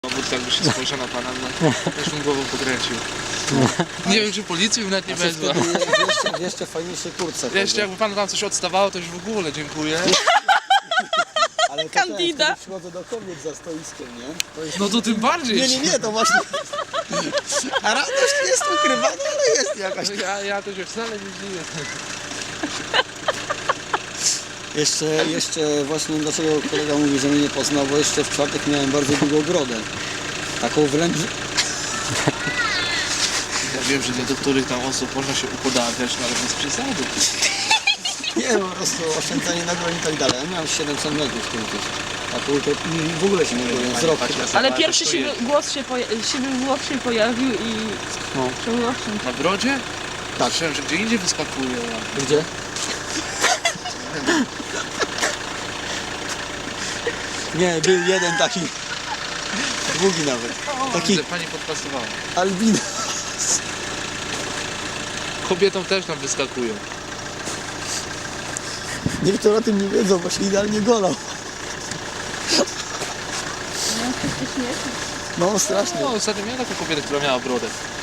Dowódca jakby się spojrzał na pana, no, też bym głową pokręcił. Nie wiem, czy policji bym nawet nie wezwał. W jeszcze fajniejszej kurce. Jeszcze jakby panu tam coś odstawało, to już w ogóle dziękuję. Ale to Candida. Ten, przychodzę do kobiet za stoiskiem, nie? To jest... No to tym bardziej. Nie, to właśnie... A radość jest ukrywana, ale jest jakaś. Ja to się wcale nie dziwię. Jeszcze właśnie dlaczego kolega mówi, że mnie nie poznał, bo jeszcze w czwartek miałem bardzo długą brodę. Taką wręcz... Ja wiem, że do których tam osób można się upodawiać, no ale bez przesady. Nie, po prostu oszczędzanie na broń i tak dalej. Ja miałem 700 metrów tu gdzieś. Taką to w ogóle się nie byłem z roku. Ale pierwszy siwy włos się pojawił i No. trzeba oszczędzić. Na brodzie? Tak. Słyszałem, że gdzie indziej wyskakuje. Gdzie? Nie, był jeden taki, długi nawet, taki Widzę, pani podpasowała. albino. Kobietom też tam wyskakują. Niektórzy o tym nie wiedzą, bo się idealnie golał. No strasznie. No, ostatnio miałem taką kobietę, która miała brodę.